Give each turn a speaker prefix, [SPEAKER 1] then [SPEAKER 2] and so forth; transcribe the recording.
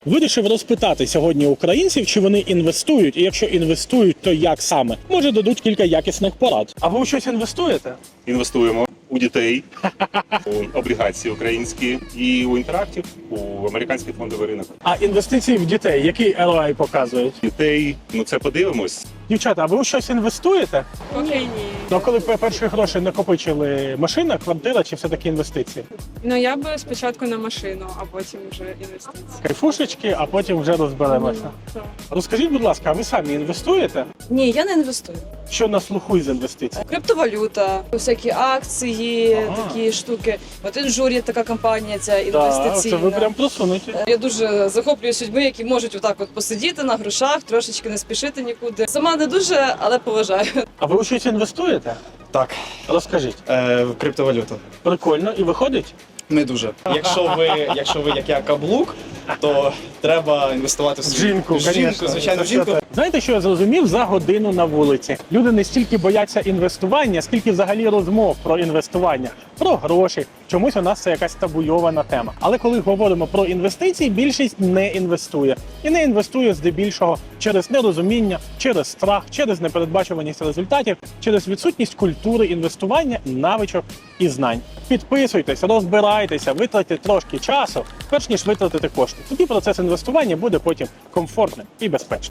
[SPEAKER 1] Вирішив розпитати сьогодні українців, чи вони інвестують, і якщо інвестують, то як саме? Може, дадуть кілька якісних порад. А ви у щось інвестуєте?
[SPEAKER 2] Інвестуємо у дітей, у облігації українські і у інтерактів, у американський фондовий ринок.
[SPEAKER 1] А інвестиції в дітей, який ROI показують?
[SPEAKER 2] Дітей, це подивимось.
[SPEAKER 1] Дівчата, а ви у щось інвестуєте?
[SPEAKER 3] Поки ні.
[SPEAKER 1] Ну, а коли перші гроші накопичили, машина, квартира чи все-таки інвестиції?
[SPEAKER 3] Ну я би спочатку на машину, а потім вже інвестиції.
[SPEAKER 1] Кайфушечки, а потім вже розберемося.
[SPEAKER 3] Так.
[SPEAKER 1] Розкажіть, будь ласка, а ви самі інвестуєте?
[SPEAKER 4] Ні, я не інвестую.
[SPEAKER 1] Що на слуху із інвестицій?
[SPEAKER 4] Криптовалюта, всякі акції,
[SPEAKER 1] Ага.
[SPEAKER 4] такі штуки. От інжур є така компанія, ця
[SPEAKER 1] Так,
[SPEAKER 4] інвестиційна.
[SPEAKER 1] це ви прям просунуті.
[SPEAKER 4] Я дуже захоплююсь людьми, які можуть отак от посидіти на грошах, трошечки не спішити нікуди. Сама не дуже, але поважаю.
[SPEAKER 1] А ви у щось інвестуєте?
[SPEAKER 5] Так,
[SPEAKER 1] Розкажіть.
[SPEAKER 5] в криптовалюту.
[SPEAKER 1] Прикольно. І виходить?
[SPEAKER 5] Не дуже. Якщо ви як я каблук, то треба інвестувати в свою
[SPEAKER 1] Жінку, конечно.
[SPEAKER 5] звичайно, в жінку.
[SPEAKER 1] Знаєте, що я зрозумів за годину на вулиці? Люди не стільки бояться інвестування, скільки взагалі розмов про інвестування, про гроші. Чомусь у нас це якась табуйована тема. Але коли говоримо про інвестиції, більшість не інвестує. І не інвестує здебільшого через нерозуміння, через страх, через непередбачуваність результатів, через відсутність культури інвестування, навичок і знань. Підписуйтесь, розбирайтеся, витратьте трошки часу, перш ніж витратити кошти. Тоді процес інвестування буде потім комфортним і безпечним.